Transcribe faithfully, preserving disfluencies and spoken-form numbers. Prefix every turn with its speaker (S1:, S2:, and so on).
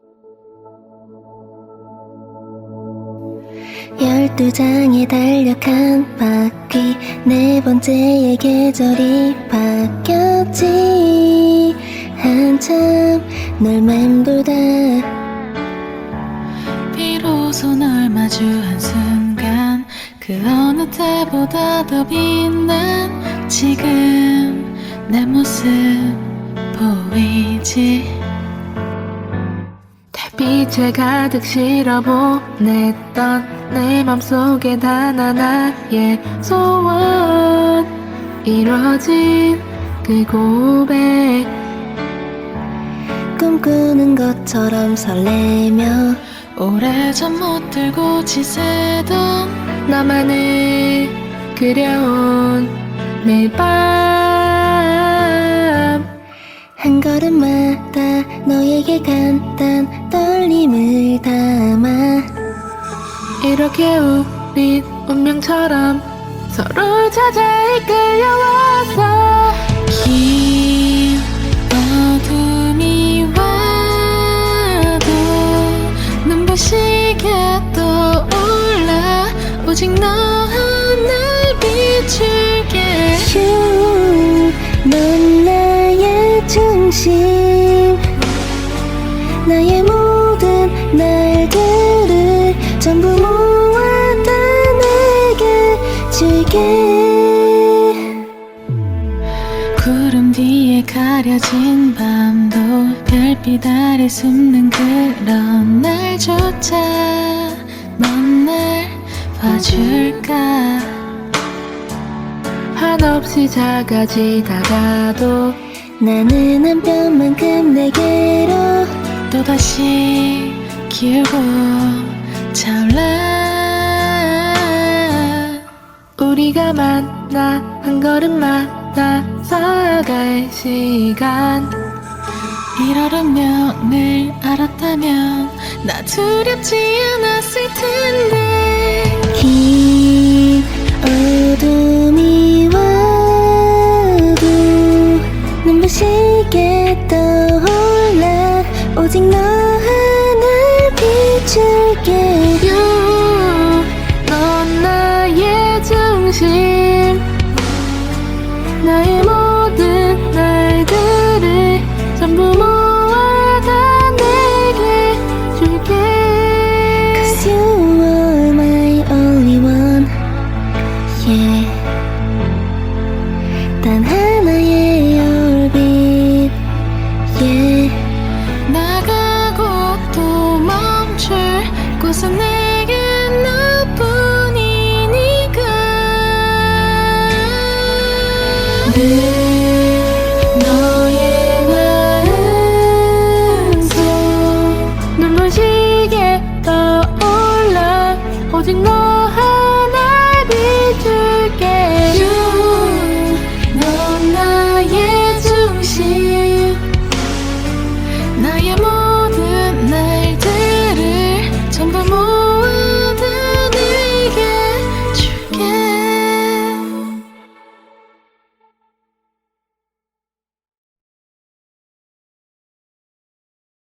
S1: 열두 장에 달력한 바퀴 네 번째의 계절이 바뀌었지. 한참 널 맴돌다
S2: 비로소 널 마주한 순간 그 어느 때보다 더 빛난 지금 내 모습 보이지. 달빛에 가득 실어보냈던 내 맘속에 단 하나의 소원 이뤄진 그 고백.
S1: 꿈꾸는 것처럼 설레며
S2: 오래전 못 들고 지새던
S1: 너만을
S2: 그려온 매일 밤
S1: 한 걸음마다 너에게 간단 떨림을 담아
S2: 이렇게 우린 운명처럼 서로 찾아 이끌려왔어. 긴 어둠이 와도 눈부시게 떠올라 오직 너 하나를 비출게.
S1: 휴, 넌 나의 중심 나의 모든 날들을 전부 모아다 내게 줄게.
S2: 구름 뒤에 가려진 밤도 별빛 아래 숨는 그런 날조차 넌 날 봐줄까. 한없이 작아지다가도
S1: 나는 한 뼘만큼 내게로
S2: 또다시 기울고 차올라. 우리가 만나 한 걸음마다 쌓아갈 시간 이럴 운명을 알았다면 나 두렵지 않았을 텐데.
S1: 긴 어둠이 와도 눈부시게 떠올라 오직 너 하나를 비출게.
S2: You, 넌 나의 중심 나의 모든 날들을 전부 모아다 내게 줄게.
S1: Cause you are my only one, yeah. 단 하나의 얼빛, yeah.
S2: 나가고 또 멈출 곳은 내게 너뿐이니까.
S1: 늘